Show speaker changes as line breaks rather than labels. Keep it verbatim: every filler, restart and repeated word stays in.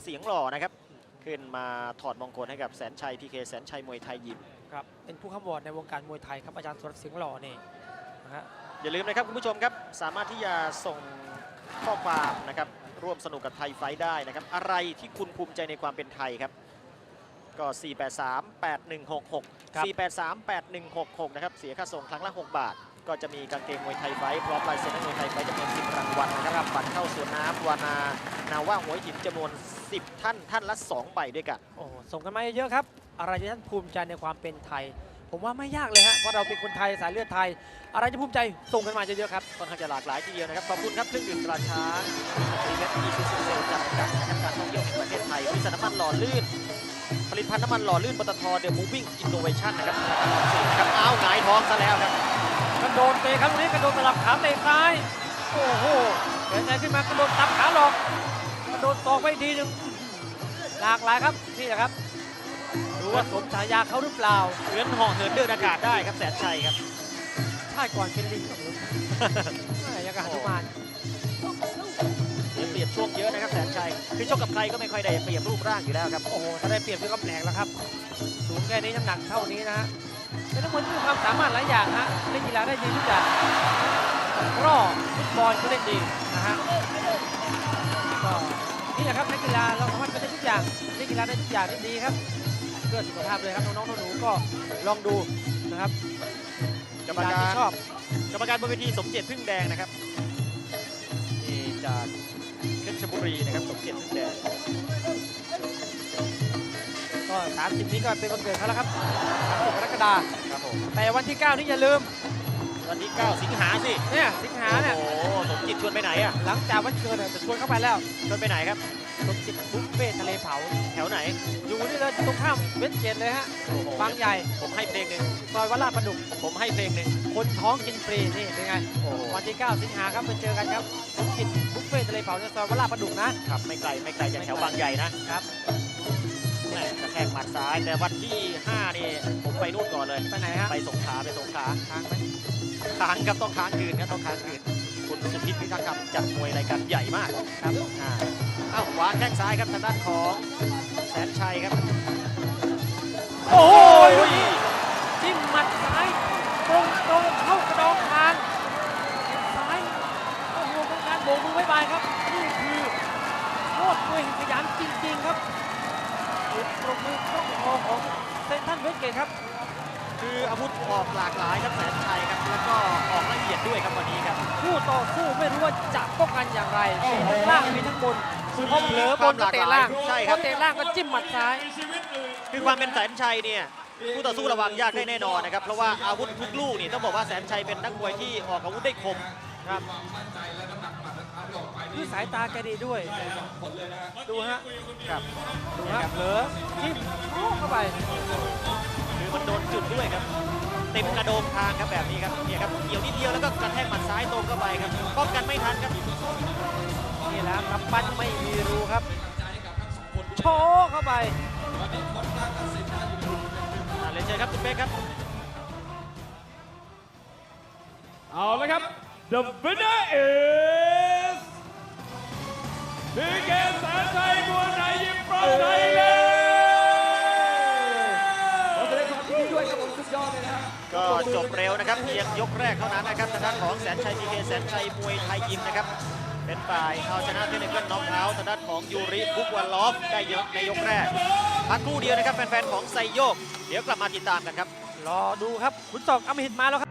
เสียงหล่อนะครับขึ้นมาถอดมงคลให้กับแสนชัยพีเคแสนชัยมวยไทยยิม
ครับเป็นผู้ข้ามวอร์ดในวงการมวยไทยครับอาจารย์สุรเสียงหล่อนี่นะฮะ
อย่าลืมนะครับคุณผู้ชมครับสามารถที่จะส่งข้อความนะครับร่วมสนุกกับไทยไฟได้นะครับอะไรที่คุณภูมิใจในความเป็นไทยครับก็ สี่ แปด สาม แปด หนึ่ง หก หก สี่ แปด สาม แปด หนึ่ง หก หกนะครับเสียค่าส่งครั้งละหกบาทก็จะมีกางเกงมวยไทยไฟพร้อมลายเซ็นนักมวยไทยไฟจำนวนสิบรางวัลนะครับบัตรเข้าสวนน้ำวานานาว่าหัวหินจำนวนสิบท่านท่านละสองใบด้วยกัน
โอ้ส่งกันมาเยอะครับอะไรที่ท่านภูมิใจในความเป็นไทยผมว่าไม่ยากเลยฮะเพราะเราเป็นคนไทยสายเลือดไทยอะไรที่ภูมิใจส่งกันมาเยอะๆครับ
ค่อนข้างจะหลากหลายทีเดียวนะครับขอบคุณครับเครื่องดื่มตราช้างบริษัทอีซูซูเซลจำกัดนะครับการท่องเที่ยวแห่งประเทศไทยบริษัทน้ำมันหล่อลื่นผลิตภัณฑ์น้ำมันหล่อลื่นปตทเดอะมูฟวิ่งอินโนเวชั่นนะครับนะครับอ้าวหงายท้องซะแล้วครับ
กระโดดเตะครับตรงนี้กระโดดสลับขาเตะซ้ายโอ้โหเดินใจขึ้นมากระโดดตับขาหลอกกระโดดตอกไปทีหนึ่งหลากหลายครับนี่แหละครับดูว่าสมฉายาเขาหรือเปล่า
เหมือนห่อเหินเดินอากาศได้ครับแสนชัยครับ
ใช่ก่อนเป็นลิงครับยังกระหันมาน
เสียเปรียบช่วงเยอะนะครับแสนชัยคือชกกับใครก็ไม่ค่อยได้เปรียบรูปร่างอยู่แล้วครับ
โอ้โหถ้าได้เปรียบก็แปลกแล้วครับสูงแค่นี้น้ำหนักเท่านี้นะฮะเป็นนักมวยที่มีความสามารถหลายอย่างฮะเล่นกีฬาได้ดีทุกอย่างรอฟุตบอลก็เล่นดีนะฮะก็นี่แหละครับนักกีฬาเราสามารถเป็นได้ทุกอย่างเล่นกีฬาได้ทุกอย่างได้ดีครับเพื่อสุขภาพเลยครับน้องๆหนูๆก็ลองดูนะครับ
กรรมการชอบกรรมการบนเวทีสมเจตพึ่งแดงนะครับนี่จากเพชรบุรีนะครับสมเจตพึ่งแดง
ก็สามสิบนี้ก็เป็นวันเกิดเขาแล้วครับสามสิบกรกฎาคม
ครับผม
แต่วันที่เก้านี้อย่าลืม
วันที่เก้าสิงหาสิ
เนี่ยสิงหาเนี่ย
โอ้โหสมจิตชวนไปไหนอ่ะ
หลังจากวันเกิดจะชวนเข้าไปแล้ว
ชวนไปไหนครับ
สมจิตบุฟเฟ่ทะเลเผา
แถวไหน
อยู่นี่เลยตรงข้ามเวสเกตเลยฮะบางใหญ่
ผมให้เพลงหนึ่ง
ซอยวัดลาดประดุก
ผมให้เพลงหนึ่ง
คนท้องกินฟรีนี่เป็นไงวันที่เก้าสิงหาครับไปเจอกันครับสมจิตบุฟเฟ่ทะเลเผาในซอยวัดลาดประดุก
นะครับไม่ไกลไม่ไกลจากแถวบางใหญ่นะครับกระแทกหมัดซ้ายแต่วันที่ห้านี่ผมไปนู่นก่อนเลย
ไปไหนฮะ
ไปสงขลาไปสงขลา
ค้างไหม
ค้างครับต้องค้างคืนครับต้องค้างคืนคุณสุพิษพิทักษ์คำจัดมวยรายการใหญ่มาก
ครับ
อ่าอ้าววางแข้งซ้ายครับทางด้านของแสนชัยครับ
โอ้ยจิ้มหมัดซ้ายตรงตรงเข้ากระดองคางซ้ายโอ้โหเป็นการโบกมือบ๊ายบายครับนี่คือโคตรมวยขยันจริงๆครับจุดปรบมือต้องคอของเซนทันเวสเกตครับ
คืออาวุธออกหลากหลายครับแสนชัยครับแล้วก็ออกละเอียดด้วยครับวันนี้ครับ
คู่ต่อสู้ไม่รู้ว่าจะป้องกันอย่างไรมีทั้งล่างมีทั้งบนพอเผลอบนก็เตะล่างพอเตะล่างก็จิ้มหมัดซ้าย
คือความเป็นแสนชัยเนี่ยคู่ต่อสู้ระวังยากได้แน่นอนนะครับเพราะว่าอาวุธทุกลูกนี่ต้องบอกว่าแสนชัยเป็นนักมวยที่ออกอาวุธได้คม
ครับคือสายตาแกดีด้วยดูฮะ
ครับ
ดูฮะเผลอจิ้มเข้าไป
คือมันโดนจุดด้วยครับเต็มกระโดงทางครับแบบนี้ครับเนี่ยครับเกี่ยวนิดเดียวแล้วก็กระแทกหมัดซ้ายตรงเข้าไปครับป้องกันไม่ทันครับ
นี่แหละครับปั้นไม่มีรูครับโชว์เข้าไป
เรียนเชิญครับคุณเป๊กครับ
เอาละครับ The winner is พี เค แสนชัยมวยไทยยิม from Thailand ขอแสดงความยินดีด้วยครับผมสุดยอดเลยนะครับ
ก็จบเร็วนะครับเพียงยกแรกเท่านั้นนะครับทางด้านของแสนชัย พี เค แสนชัยมวยไทยยิมนะครับเป็นฝ่ายเอาชนะเทนนิสเกิลน็อกเอาท์ทางด้านของยูริบุกวันลอฟได้เยอะในยกแรกพักครู่เดียวนะครับแฟนๆของไซโยกเดี๋ยวกลับมาติดตามกันครับ
รอดูครับขุนศอกอำมหิตมาแล้วครับ